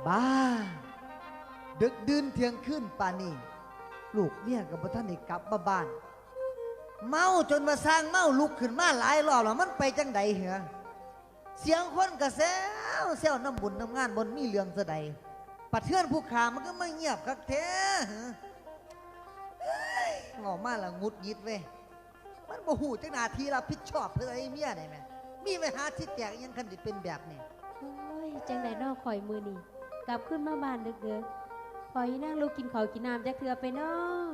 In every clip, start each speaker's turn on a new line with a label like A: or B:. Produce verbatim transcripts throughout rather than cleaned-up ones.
A: บ้าดึกดื่นเที่ยงคืนป่านนี้ลูกเนี่ยกับท่านได้กลับมาบ้านเมาจนมาสร้างเมาลุกขึ้นมาหลายรอบแล้วมันไปจังใดเหรอเสียงคนกระแซวแซวน้ำบุญน้ำงานบนมีเรื่องเสดปัดเทือนผู้ขามันก็ไม่เงียบกักแท้งอมาละงุดยิดเว้ยมันโมโหจังนาทีเราพิดชอบเพื่อไอ้เมียได้ไหมมีไปหาที่แตกยังคันจะเป็นแบบนี้
B: โอ้ยจังไดนอกข่อยมือนี่กลับขึ้นมาบ้านเด็กๆข่อยนั่งลูกกินข้าวกินน้ำจะเถื่อไปนอก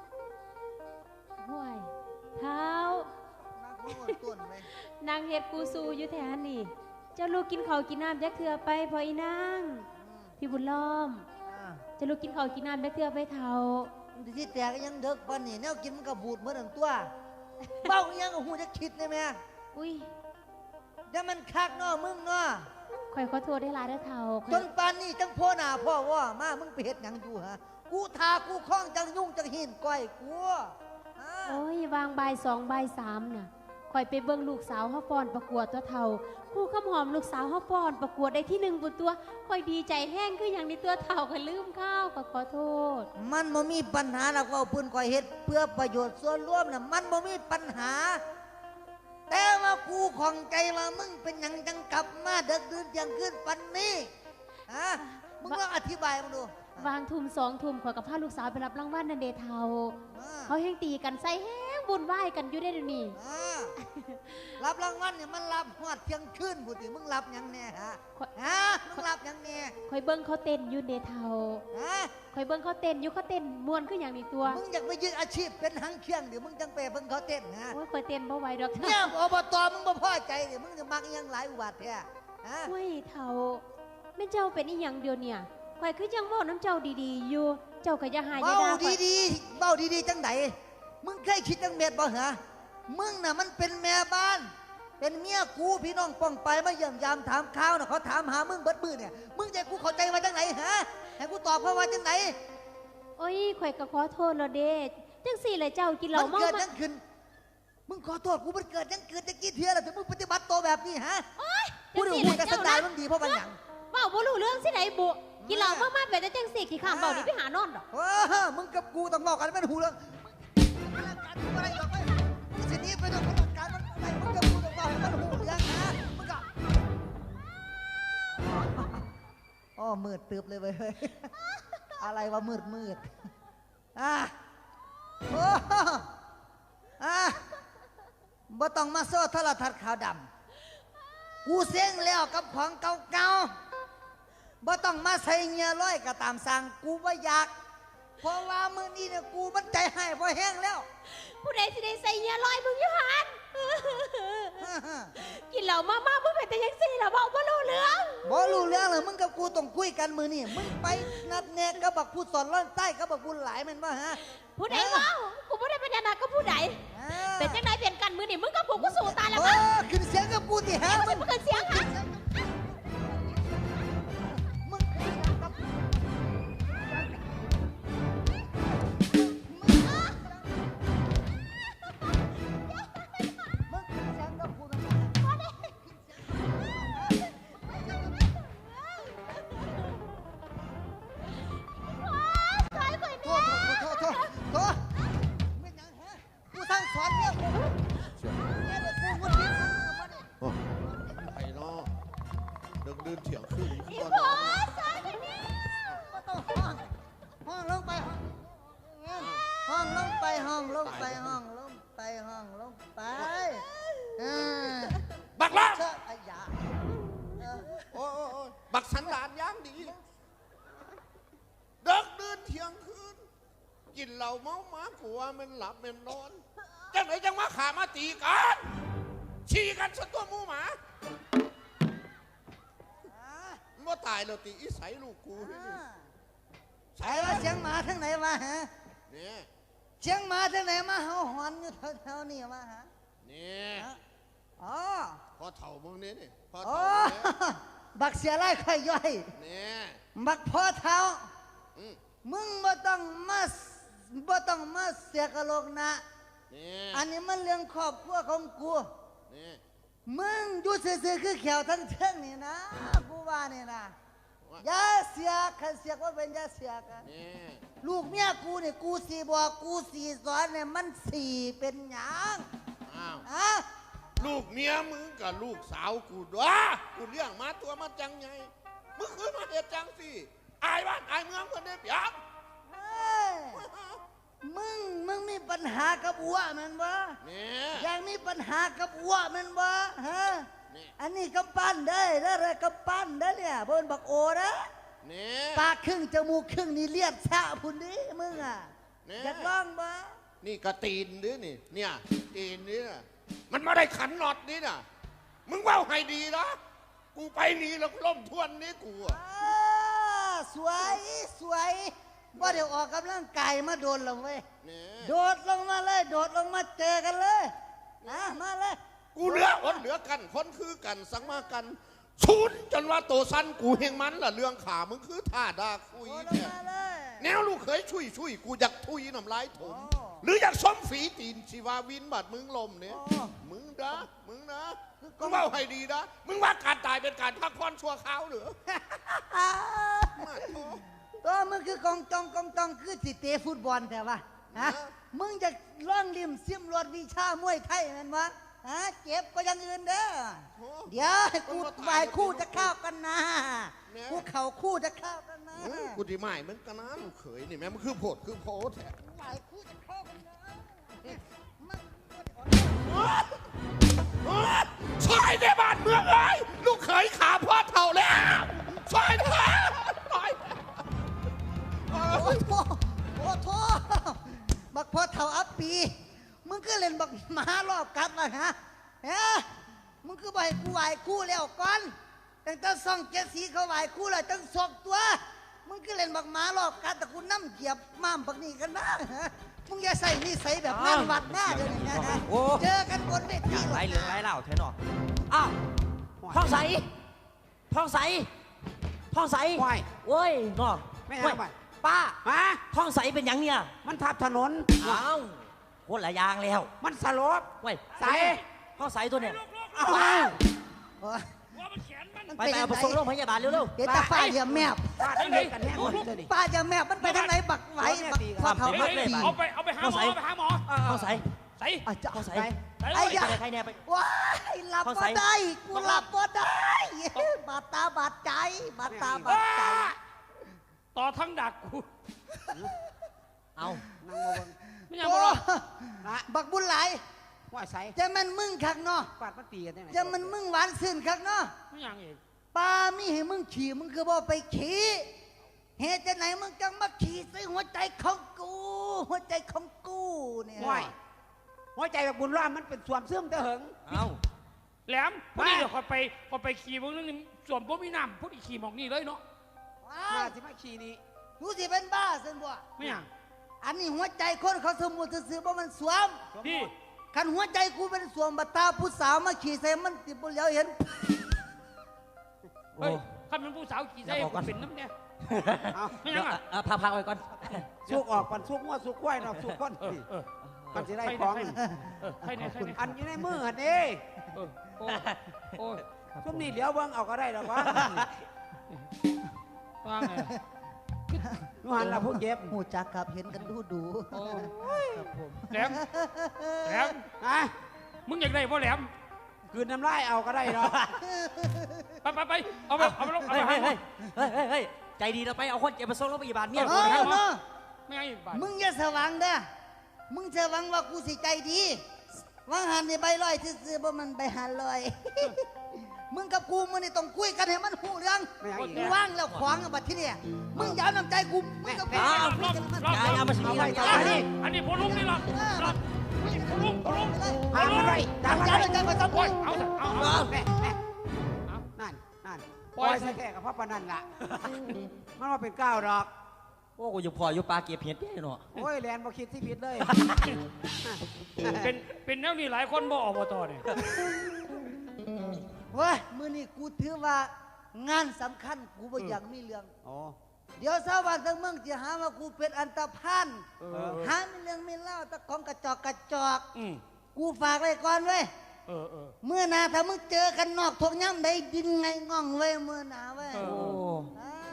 B: ห่วยเท้านางเฮ็ดกูซูอยู่แถวนี่เจ้าลูกกินข้าวกินน้ำจะเถื่อไปพออีนางพี่บุญล้อมจะลูกกินข้าวกินน้ำจะเถื่อไปเท่า
A: ที่แตกยังเด็กปันนี่แนวกินมันก็บูดเหมือนตัวเบ้ายังก็หูจะคิดได้ไหม
B: อุ้ย
A: เดี๋ยวมันคักเนาะมึงเนาะ
B: ข่อยขอโทษได้หลายเด้อเท่า
A: จนปานนี้จังพ่อหน้าพ่อว่ามามึงไปเฮ็ดหยังอยู่ฮะกูทากูคล้องจังยุ่งจังหินก้อยกู
B: โอ้ยวางใบสองใบสามน่ะข่อยไปเบิ่งลูกสาวเฮาฟ้อนประกวดตัวเท่าคู่ข้ามหอมลูกสาวเฮาฟ้อนประกวดได้ที่หนึ่งบนตัวข่อยดีใจแห้งคืออย่างนี้ตัวเท่าข่อยลืมข้าวก็ขอโทษ
A: มันบ่มีปัญหาหรอกว่าปืนก้อยเฮ็ดเพื่อประโยชน์ส่วนรวมน่ะมันบ่มีปัญหาแต่ว่ากูของใจว่ามึงเป็นหยังจังกลับมาเด็กดื่นยังขึ้นปันนี้ฮะมึงลองอธิบายมาดู
B: วางทุ่มสองทุ่มข่อยกับพาลูกสาวไปรับรางวัลนั่นเดเท่าเขาแห้งตีกันใส่แห้งบุญไหวกันอยู่ได้เดี๋ยวนี้
A: รับรางวัลเนี่ยมันรับหอดเที่ยงคืนบุตรมึงรับยังแน่ฮะฮะมึงรับยังแน่
B: ข่อยเบิ้งเขาเต้นอยู่เดเท่าฮะข่อยเบิ้งเขาเต้นอยู่เขาเต้นม้วนขึ้นอย่างนี้ตัว
A: มึงอยากไปยึดอาชีพเป็นหางเครื่องเดี๋ยวมึงจังไปเบิ้งเขาเต้นฮะ
B: โอ้ยข่อยเต้นบ่ไหวดอก
A: เนี่ยอบตมึงบ่พอใจเดี๋ยวมึงจะมักยังหลายอุบัติแท้
B: ฮะโอ้ยเท่าไม่เจ้าเป็นอีหยังเดียวเนี่ยข่อยคือยังเว้าน้ำเจ้าดีๆอยู่เจ้าก็จะหาย
A: เบ้าดีๆเบ้าดีๆจังไหนมึงเคยคิดจังเม็ดบ่เหรอมึงน่ะมันเป็นแม่บ้านเป็นเมียกูพี่น้องป้องไปมาเยี่ยมยามถามข่าวน่ะเขาถามหามึงเบิดมือเนี่ยมึงใจกูเข้าใจมาจังไหนฮะให้กูตอบเขาว่าจังไหน
B: โอ้ยข่อยก็ขอโทษแล้วเด้จังสี่เลยเจ้ากินเหล้าเมา
A: มันเกิดยังขึ้นมึงขอโทษกูมันเกิดยังเกิดจะกี่เทียแล้วถึงมึงปฏิบัติตัวแบบนี้ฮะกูดูมึงกระสันดานมึงดีเพราะมันหยัง
B: เบ้าบ่รู้เรื่องสิไหนบุกินเหล้ามากๆแบบจะจังสี่ขี้ข้ามเบ้านี่ไปหานอนหรอ
A: เออมึงกับกูต้องบอกกันไม่หูเรื่องอะไรหรอกไอ้ทีนี้ไปต้องประการมันอะไรมึงกับกูต้องบอกให้มันหูเรื่องฮะมึงกับอ๋อมืดตึบเลยเว้ยอะไรวะมืดมืดอ่ะโอ้อ่ะบ่ต้องมาโซ่โทรทัศน์ขาวดำกูเซ็งแล้วกับของเก่าๆบ่ต้องมาใส่เงียร้อยก็ตามสั่งกูบ่อยากเพราะว่ามือนี้เนี่ยกูมันใจให้พอแห้งแล้ว
B: ผู้ใดสิได้ใส่เงียร้อยมึงอยู่หันกินเหล้ามากๆมึงเป็นแต่ยังสี่ล่ะบอกบ่รู้เรื่อง
A: บ่รู้เรื่องเลยมึงกับกูต้องคุยกันมือนี่มึงไปนัดแนะกับบักผู้สอนร้อนใต้กับบักบุญหลายมันว่าฮะ
B: ผู้ใดว่ากูไม่ได้เป็นยันก็ผู้ใดเป็นจังไดเปลี่ยนกันมือนี่มึงกับกูก็สู้ตายแล้วมั้ง
A: ขึ้นเสียงกับกูที่ฮะ
B: มึงขึ้นเสียงฮะ
C: บักละบักสันดานย่างดีเด็กเดินเที่ยงคืนกินเหล้าเมาหมาผัวมันหลับมันนอนจังไหนจังมาขามาตีกันชี้กันซะตัวมูหมาว่าตายแล้วตีอีใสลูกกู
A: ใส่ว่าเสียงหมาทั้งไหนมาฮะเนี่ยเสียงหมาทั้งไหนมาเห่าหอนอยู่แถวๆนี่มาฮะ
C: เนี่ย
A: อ๋อ
C: พอเถ่ามึงนี่นี่
A: พอเถ่าบักเสียไล่ค่อยย่อย
C: เนี่ย
A: บักพอเท้ามึงบ่ต้องมาบ่ต้องมาเสียกะโลกนะอันนี้มันเรื่องครอบครัวของกูมึงอยู่ซื่อๆคือแขวทั้งเทิงนี่นะกูว่านี่นะยาเสียขันเสียว่าเป็นยาเสียกัน
C: นี่
A: ลูกเมียกูเนี่ยกูสีบอกกูสีสอนเนี่ยมันสีเป็นหยัง
C: อ้าว
A: อะ
C: ลูกเมียมึงกับลูกสาวกูด้วยกูเลี้ยงมาตัวมาจังไงมึงคือมาเหตุจังสิอายบ้านอายเมืองคนได้เปรียบ
A: เฮ้ยมึงมึงมีปัญหากับอ้วมันวะ
C: นี่
A: ยังมีปัญหากับอ้วมันวะฮะ
C: นี่
A: อันนี้กำปั้นได้แล้วอะไรกำปั้นได้เนี่ยบนบักโอนะ
C: นี่
A: ปากครึ่งจมูกครึ่งนี่เลียดชะพุ่นดิมึงอ่ะ
C: นี่
A: อยากลองบ่
C: นี่กระตีนดินี่เนี่ยตีนนี่นะมันไม่ได้ขันน็อตนี่นะมึงเว่าให้ดีนะกูไปนี่แล้วล่มทวนนี่กูอะ
A: อ่าสวยสวยว่าเดี๋ยวออกกำลังกายมาโดนลงเว้ย
C: นี่
A: โดดลงมาเลย โดดลงมาเจอกันเลยนะมาเลย
C: กูเหลืออนเหลือกันคนคือกันสังมากันชุนจนว่าโตสั้นกูเฮงมันล่ะเรื่องขามึงคือท่าดาคุย
A: โดดลง
C: เนี่ย
A: มาเลย
C: แนวลูกเคยช่วยช่วยกูอยากทุยน้ำลายถม
A: โอ้
C: หรืออยากซ้อมฝีตีนชีวาวินบาดมึงลมเนี่ย
A: โอ้
C: มึงนะมึงนะมึงเล่าให้ดีนะมึงว่าการตายเป็นการพักผ่อนชั่วคราวเหรือมาโถ
A: ตัวมึงคือกองจองกองจองคือสิเตะฟุตบอลแต่ว่าฮะ
C: ฮะ
A: มึงจะล่องริมซิมรถวิชามวยไทยแมันวะฮะเจ็บก็อยังอื่นเด้อ
C: โถ
A: เดี๋ยวให้กูไหวคู่จะเข้ากันนะ
C: เนี่ย
A: กูเข่าคู่จะเข้ากันนะ
C: เฮ้ยกูดีไม่เหมือนกันนะลูกเขยนี่แม่มันคือโผดคือโพแท้
A: ไหวคู่จะเข้ากันนะมัน
C: ช่วยในบ้านเมืองเลยลูกเขยขาพ่อเท่าแล้วช่วยเถอะช่วย
A: โอ้โหโอ้โหบักพอเท่าอัปปี มึงก็เล่นบักหมารอบกัดเลยฮะเฮ้ยมึงคือบ่ให้กูไหวคู่แล้วก่อนตั้งแต่ซ่องเจ็ดสีเขาไหวคู่แล้วตั้งสองตัว มึงก็เล่นบักหมารอบกัดแต่กูน้ำเหยียบม้ามบักนี่กันนะฮะมึงอย่าใส่นิสัยแบบงานวัดหน้าเดี๋ยวนี้นะฮะ
D: โอ้
A: เจอกันบนเวที
D: ไรเหลืองไรเหล่าเทนออ้าวท้องใสท้องใสท้องใส
E: ไหว
D: เว้ยนอก
E: ไม่
D: เว้
E: เอา
D: ย
E: ไป
D: ป้า
E: ฮะ
D: ท้องใสเป็นหยังเนี่ย
E: มันทับถนน
D: อ้าวคนละอยางแล้ว
E: มันสลบ
D: เว้ย
E: ใส
D: ท้องใสตัวเนี่ย
E: ว้าว
A: โอ้ย
D: ไปไปเอาไปส่งโรงพยาบาลเร็ว
A: เห็นแต่ฝ้าเหยียบแมบ
E: ฟาดเลยกันแน่หมดเลยดิ
A: ป้าจะแมบมันไปทางไหนบักไหวบักพอเท่า
D: เฮ้
A: บัก
D: ย
A: ปี
F: เอาไปเอาไปหาหมอเอาไปหาหมอ
D: ๆท้องใส
F: ใส่
A: อ่ะจะ
D: ท้องใส
F: ใส่
A: ไอ้
F: เลย
A: ยะ
D: ไปใครเนี่ยไป
A: ว้ายหลับ
D: เข้า
A: บ่
D: ใส่
A: ได้ กูหลับบ่ได้ บาดตาบาดใจ บาดตาบาดใจ
F: ต่อทั้งดักกู
D: เอา
E: นั่งมาเบิ่ง
F: ไม่ยัง
A: โอ้
F: บ่รอ
E: นะ
A: บักบุญหลาย
E: ว่าใส
A: จะมันมึงคักเนาะ
E: ฟาดมันตีกันได้ไหน
A: จะมันมึงหวานซื่นคักเนาะ
F: ไม่ยังอีก
A: ปลามีให้มึงขี่มึงคือบ่ไปขี่เหตุจะไหนมึงจังมาขี่ใส่หัวใจของกู หัวใจของกูเนี่ย
E: ไหวหัวใจแบบบุญร่ามมันเป็นสวมเสื่อมเตะเหิง
D: เอา
F: แหลมพอดีเดี๋ยวคอยไปคอยไปขี่พวกนึงนี่ส่วนพวกมีน้ำพวกอีขี่หมองนี่เลยเนาะ
A: ว้า
E: มาว สิมาขี่นี่
A: กูสิเป็นบ้าซึ่งบ่
F: ไม่ยัง
A: อันนี้หัวใจคนเขาสมมุติซื่อๆบ่มันสวม
F: พี่
A: คันหัวใจกูเป็นสวมบัตตาผู้สาวมาขี่ใส่มันติบุเหลียวเห็น
D: โอ้
F: เฮ้ยข้าเป็นผู้สาวขี่ใส่
D: อย่าบอกกัน
F: เป็นน้ำเนี่ย
E: เอา
F: ไม่ยังอ่ะ
D: เออพักๆไว้ก่อน
E: สุกออกปันสุกงัวสุกควายเนาะสุกก้น
F: เออเออ
E: มันจะได้ของ
F: เออใครเนี่ยใครเนี่ย
E: อันอยู่ในมือหันเด้
F: เออโอ้ยโอ้ย
E: ซุ่มนี่เหลียวเบิ่งเอาก็ได้หรอกวะ
F: ว่าไง
E: นูหันละผู้เจ็บ
A: หูจักครับเห็นกันดูดู
F: โอ้ย
A: ครับผม
F: แหลมแหลม
E: นะ
F: มึงอยากได้พ่อแหลม
E: คืนน้ำลายเอาก็ได้หรอก
F: ไปไปไปเอาไปเอาไปลงเอา
D: เฮ้
F: ไป
D: ย
F: หา
D: เฮ้ย
F: หมอ
D: เฮ้ยเฮ้ยเฮ้ยใจดีเราไปเอาคนเจ็บไปส่งโรงพยาบาลเมีย
A: เอ
D: กู
A: อ
D: นะครับ
A: เนาะ
F: ไม่ยังอีกบาท
A: มึงอย่าสว่างเด้อมึงจะหวังว่ากูสิใจดีวังหันนี่ใบลอยซื่อๆบ่มันใบหันลอย มึงกับกูมึงนี่ต้องคุยกันให้มันหูเรื่อง
E: ไม่เอาอีก
A: กูว่างแล้วขวางกับบัดที่เนี่ยมึงอย่าเอาน้ำใจกูมึงกับกู
D: อ้าว
A: คุยกันให้มัน
D: ยายเอามาสิ
E: เอาไว้
D: ยาย
E: เอา
F: อัน
E: ไว้
F: นี้อันนี้พอลุงนี่หรอหรอพอลุงพอลุง
E: หามันไว้ตามมัน
A: อย่า
E: ไว้
A: เอาน้ำใจมาจับกู
F: โอ้ยเอาเถอะเอาเอา
E: แม่แม่
F: เอา
E: นั่นนั่น
F: ป
E: ป
F: ล่
E: ล่
F: อ
E: อย ยแท้ๆกับพ่อปานนันล่ะ มันว่าเป็นก้าวดอก
D: โอ้กูอยู่พออยู่ปลาเก็บเห็ดเนี่ยเนาะ
E: โอ้ยแลนบ่คิดที่ผิดเลย
F: เป็นเป็นแนวนี้หลายคนบ่อบตเนี่ย
A: เว้ยมือนี่กูถือว่างานสำคัญกูบ่อยากมีเรื่อง
E: โอ้
A: เดี๋ยวชาวบ้านทั้งเมืองจะหาว่ากูเป็นอันตรพัน
F: เออ
A: หามีเรื่องมีเล่าแตะของกระจอกกระจอก
F: อืม
A: กูฝากไว้ก่อนเว้ย
F: เออเออ
A: เมื่อหนาถ้ามึงเจอกันนอกทวงย่ำได้ดินไงง่องเว้ยเมื่อหนาเว้ย
F: เอ
D: โอ้
A: อ่า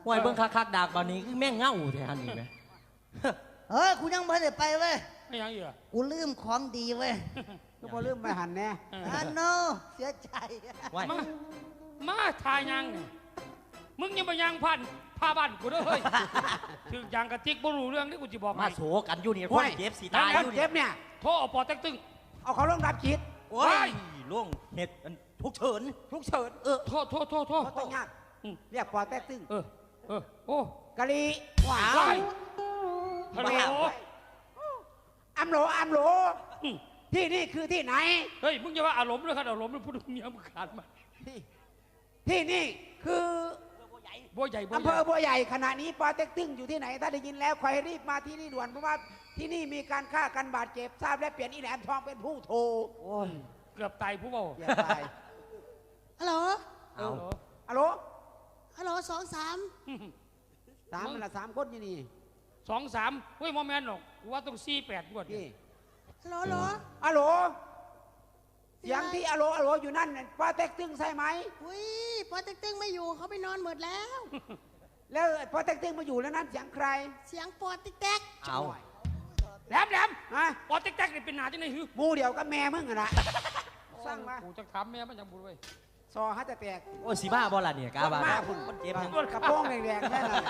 D: ห่วยเบิ่งคักๆดากบานนี้คือแม่งเง่าแท้ฮันนี่ไหม
A: เฮ้ยกูยังไม่ได้ไปเว้ย
F: ไม่ยังอยู่อะ
A: กูลืมของดีเว้ย
E: ก็พอลืมไปหันแน่
F: เออ
A: อันโนเสียใจ
D: ว้าย
F: มามาทายยังเนี่ยมึงยังมายังพันพาบ้านกูเด้อเฮ้ยถึงยังกระติกบ่รู้เรื่องที่กูจะบอก
D: มา
F: ให้
D: โศกันอยู่นี่คนเจ็บสิตายอ
E: คน
D: ยู่
E: เจ็
D: นี่
E: บเนี่ย
F: โทรเอาปอเต็กตึง
E: เอาเขาลงรับจิต
D: โอ้ยล่วงเห็ดอันทุกเฉิน
E: ทุกเฉิน
D: เออ
F: โทษโทษโทษโทษ
E: เขาต้องยาก
F: อืม
E: เรียกปอแต๊กตึ้ง
F: เออเออโอ้
E: กะลีหวา
F: ว้าย
E: น
F: ฮัลโหล
E: อัมโหลอัมโหล
F: อืม
E: ที่นี่คือที่ไหน
F: เฮ้ยมึงอย่าว่าอารมณ์เลยครับอารมณ์เลยพูดเมียมึงขาดมา
E: ที่ที่นี่คือ
F: บัวใหญ่บัวใหญ่
E: อำเภอบัวใหญ่ขณะนี้ปอเต็กตึ้งอยู่ที่ไหนถ้าได้ยินแล้วใครรีบมาที่นี่ด่วนเพราะว่าที่นี่มีการฆ่ากันบาดเจ็บทราบและเปลี่ยนอีแหลมทองเป็นผู้โทรโอ้ย
F: เกือบตายผู้เบา
E: อย่าตาย
G: ฮัลโหล
D: เอา
E: ฮัลโหล
G: ฮัลโหลสองสาม
E: สามมันละสามคนอยู่นี่
F: สองสามเฮ้ยโมแมนหรอกกูว่าต้องสี่แปดกว่า
E: พี่
G: ฮัลโหลฮัลโหล
E: ฮัลโหลเสียงที่ฮัลโหลฮัลโหลอยู่นั่นน่ะปอเต็กตึ้งใช่ไหม
G: อุ้ยพอเต็กตึงไม่อยู่เขาไปนอนหมดแล้ว
E: แล้วปอเต็กตึ้งมาอยู่แล้วนั่นเสียงใคร
G: เสียงปอติ๊กแต๊ก
D: เอา
F: แหลมแหลม
E: ฮะ
F: ปอเต็กแตกนี่เป็นหนาจังไหนฮึ
E: หมูเดียวกับแม่มึงอะนะสร้างมา
F: กูจะถามแม่มันยังบุญไว้ย
E: ซอฮัตจะแตก
D: โอ้ยสีบ้าบอล่ะเนี่ยกาบา
E: มาพุ่
D: คนเจ็บ
E: น
D: ยัง
E: กระโปรงแดงๆแค่นั้น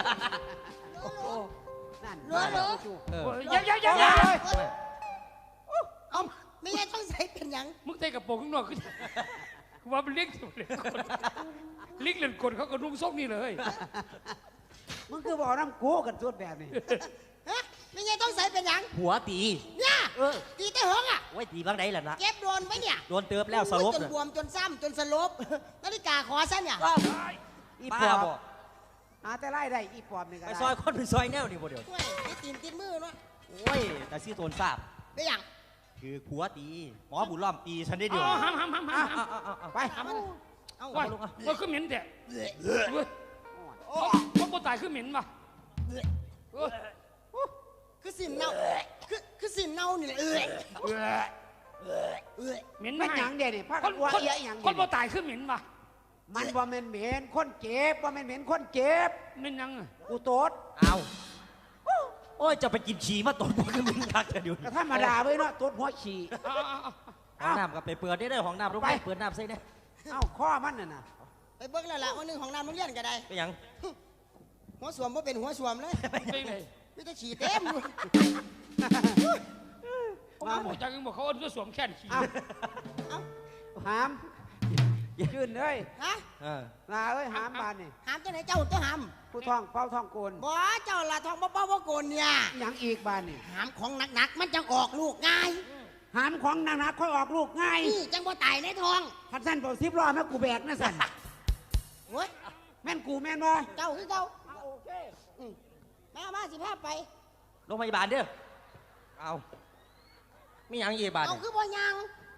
E: นั่น
G: ฮัลโหลฮัลโหล
D: เออ
F: เฮ้ยอย่าอย่าอย่าอย่า
G: เอาไม่งั้นต้องใส่เป็นหยัง
F: มึงเตะกับโปรงข้างนอกขึ้นกูว่ามันเลี้ยงสุดเลยคนเลี้ยงเล่นกดเขาก็นุ่งส้มนี่เลย
E: มึงคือบอกน้ำกูกันสุดแบบนี้
G: ฮะไม่งั้นต้องใส่เป็นหยัง
D: หัวตี
G: เนี่ย
D: เออ
G: ตีแต่เหิงอ่ะ
D: ไว้ตีบางไดล่ะนะ
G: เก็บโดนไว้เนี่ย
D: โดนเติบแล้วสลบ
G: จน
D: น่ะ
G: บวมจนซ้ำจนสลบนาฬิกาขอซะเนี่ย
E: อีป
D: ป้า
E: อบ
D: บอก
E: หาแต่ไล่ได้อีปอบนี่ก็
D: ไป
E: ได้
D: ซอยคนเป็นซอยแนวนี่บ่เดี๋ยว
G: เว้ยนี่ตีนติดมือเนาะ
D: โอ้ยแต่ซี่โตนทราบ
G: ได้หยัง
D: คือหัวตีหมอบุญล้อมตีฉันได้เดียว
F: อ๋อห้ามห้ามห้ามห้าม
D: เอาเอาเอาเอา
E: ไป
G: เอามาเอา
F: ว่า
D: ลงอ่ะ
F: ว่าคือเหม็นแต่เว้ยว่าคนตายคือเหม็นป่ะเออ
G: คือสินเน่าคือคือสินเน่านี่แหละเอ้ยเอ้ย
F: เหม็น
E: ไม่
F: ไม่
E: หยังเด่นนี่พา
F: ค
E: กัน
F: น
E: วัว
F: คน
E: เอียหยัง
F: ค
E: เด่
F: น
E: น
F: บ่ตายคือเหม็นป่ะ
E: มันว่ามันเหม็นคนเจ็บว่ามันเหม็นคนเจ็บ
F: เหม็นยังอะ
E: กูโตด
D: เอาโอ้ยจะไปกินฉี่มาตดบ่คือมึงคักแต่เดี๋ยว
E: ก็ธรรมดาไว้เนาะโตดหัวฉี่
F: เอาเอาเอา
D: ห้องน้ำก็ไปเปิดได้เด้อห้องน้ำรู้ไหม
E: ไป
D: เปิดน้ำใส่เนี่ย
E: เอ้าข้อมันน่ะนะ
G: ไปเบิ่งแล้วล่ะวันหนึงของน้ำโรงเรียนก็ได้
D: ไปหยัง
G: หัวสวมบ่เป็นหัวสวมเลย
F: เป็นไง
G: มีแต่ฉี่เต็มอยู่
F: เขาบอกจังบอกเขาเอาเสื้อสวมแขนขี่
E: เอ้า
G: เอ้า
E: หามยืนเลย
G: ฮะ
D: เออ
E: ลาเอ้ยหามบานนี่
G: หามจังไหนเจ้าตัวหาม
E: ผู้ท่องเป้าท่องโกน
G: บ่เจ้าละทองบ่เป้าบ่โกนเนี่ย
E: หยังอีกบานนี่
G: หามของหนักๆมันจังออกลูกง่าย
E: หามของหนักๆค่อยออกลูกง่าย
G: นี่จังบ่ตายในท้อง
E: พันสั้นเป่าซิบล้อแม่กูแบกนะสัน
G: โอ้ย
E: แม่นกูแม่นบ่
G: เจ้าคือเจ้าอืมมามาสิพาไป
D: โรงพยาบาลเด้อเอามีหยังอีกบาท
G: เอา
D: เนี่ย
G: คือบ่ยัง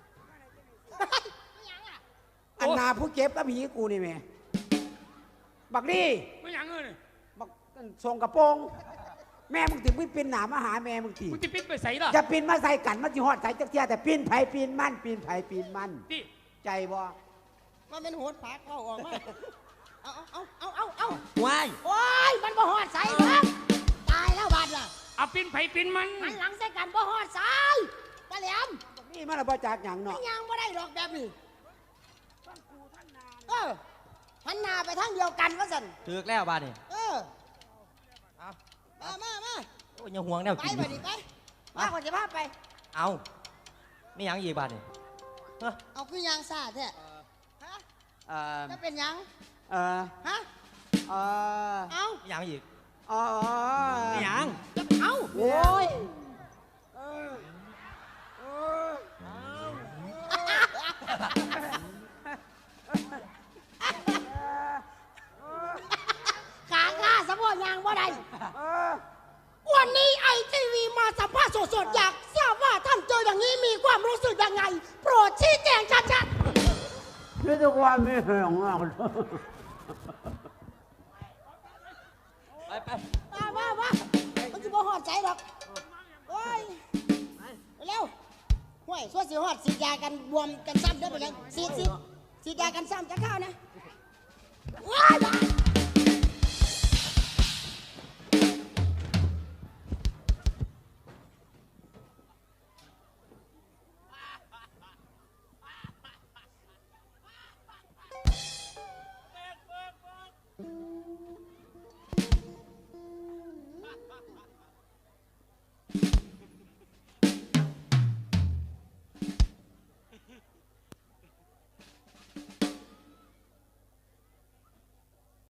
G: ไม่ยังอ่ะ
E: อันนาผู้เจ็บกับผีกูนี่แม่บักนี่
F: ไม่ยังเงิน
E: บักส่งกระโปรงแม่มึงถึงไม่ปีนหนามาหาแม่มึงที
F: มึงจะปิดไปใส่ล่ะ
E: จะปีนมาใส่กันมาจิฮอดใส่จักเทียแต่ปีนไผปีนมันปีนไผปีนมัน
F: ที่
E: ใจบ่
G: มันเป็นโหดผักเข้าออกมาเอาเอาเอาเอาเอา
D: ว้าย
G: โอ้ยมันบ่ฮอดใส่ครับตายแล้วบาดล่ะ
F: เอาปินไผ่ปินมัน
G: หันหลังใส่กันบ่ฮอดใส่ตะแหลม
E: บักนี่มันละบ่จากหยัง
G: ไม่
E: เนาะ
G: ยังบ่ได้ดอกแบบนี้เออหันหน้าไปทางเดียวกันว่าซั่น
D: ถึกแล้วบาทนี่
G: เออ
D: เอา
G: มามามา
D: โอ้ยยังห่วงแนว
G: ไป
D: กินอ
G: ไป
D: ยู่
G: ดิไปมาก่อนจะพาไป
D: เอามีหยังอีกบาทนี่เฮ้ย
G: เอาคือยางซาแท้ฮะ
E: เอ่อ
G: จะเป็นหยัง
E: เอ่อ
G: ฮะ
E: เอ่อ
G: เอา
D: มีหยังอีก
E: เอ่อ
D: มีหยัง
G: จะเอา
E: โอ้ย
G: ขาข้าสะโพกยางบ่ได้
E: เออ
G: วันนี้ไอทีวีมาสัมภาษณ์สดๆอยากทราบว่าท่านเจออย่างนี้มีความรู้สึกยังไง โปรดชี้แจงชัด
E: นี่ทุกวันไม่เหี่ยงอ่ะ
D: ไปไป
G: ๆมามามามันจะบ่หอดใจหรอกโอ้ยเร็วห่วยส่วนสิหอดสีดยากันบวมกันซ้ำเด้อไปเลยสีดสีดสีดยากันซ้ำจะเข้านะว้าย